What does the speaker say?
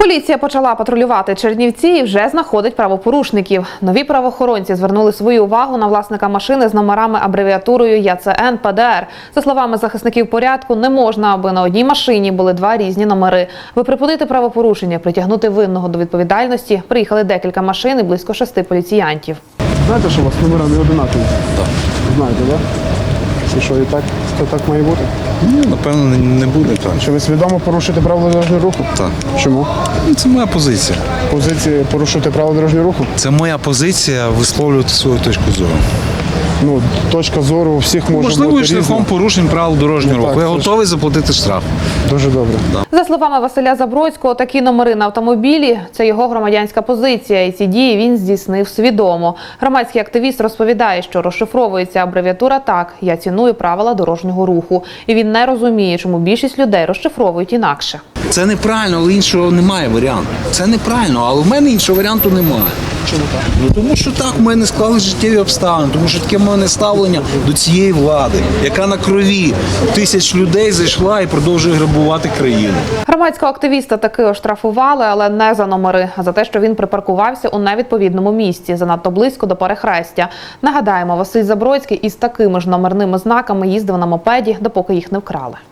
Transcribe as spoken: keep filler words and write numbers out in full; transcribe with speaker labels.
Speaker 1: Поліція почала патрулювати Чернівці і вже знаходить правопорушників. Нові правоохоронці звернули свою увагу на власника машини з номерами абревіатурою Я Це Ен Пе Де Ер. За словами захисників порядку, не можна, аби на одній машині були два різні номери. Аби припинити правопорушення, притягнути винного до відповідальності, приїхали декілька машин і близько шести поліціянтів.
Speaker 2: Знаєте, що у вас номера не одинакові? Так. Знаєте, так? І що, і так, то так має бути?
Speaker 3: Ні, напевно, не- не буде так.
Speaker 2: Чи ви свідомо порушуєте правила дорожнього руху?
Speaker 3: Так.
Speaker 2: Чому?
Speaker 3: Ну, Це моя позиція.
Speaker 2: Позиції порушувати правила дорожнього руху?
Speaker 3: Це моя позиція висловлювати свою точку зору.
Speaker 2: Ну, точка зору у всіх може
Speaker 3: Можливо,
Speaker 2: бути
Speaker 3: і шляхом
Speaker 2: різна.
Speaker 3: порушень правил дорожнього
Speaker 2: Ну,
Speaker 3: руху.
Speaker 2: так,
Speaker 3: Я
Speaker 2: це ж-
Speaker 3: готовий заплатити штраф.
Speaker 2: Дуже добре.
Speaker 1: За словами Василя Забродського, такі номери на автомобілі – це його громадянська позиція, і ці дії він здійснив свідомо. Громадський активіст розповідає, що розшифровується абревіатура так «Я ціную правила дорожнього руху». І він не розуміє, чому більшість людей розшифровують інакше.
Speaker 3: Це неправильно, але іншого немає варіанту. Це неправильно, але в мене іншого варіанту немає. Чому так? Ну тому що так в мене склали життєві обставини, тому що таке в мене ставлення до цієї влади, яка на крові тисяч людей зайшла і продовжує грабувати країну.
Speaker 1: Громадського активіста таки оштрафували, але не за номери, а за те, що він припаркувався у невідповідному місці, занадто близько до перехрестя. Нагадаємо, Василь Забродський із такими ж номерними знаками їздив на мопеді, допоки їх не вкрали.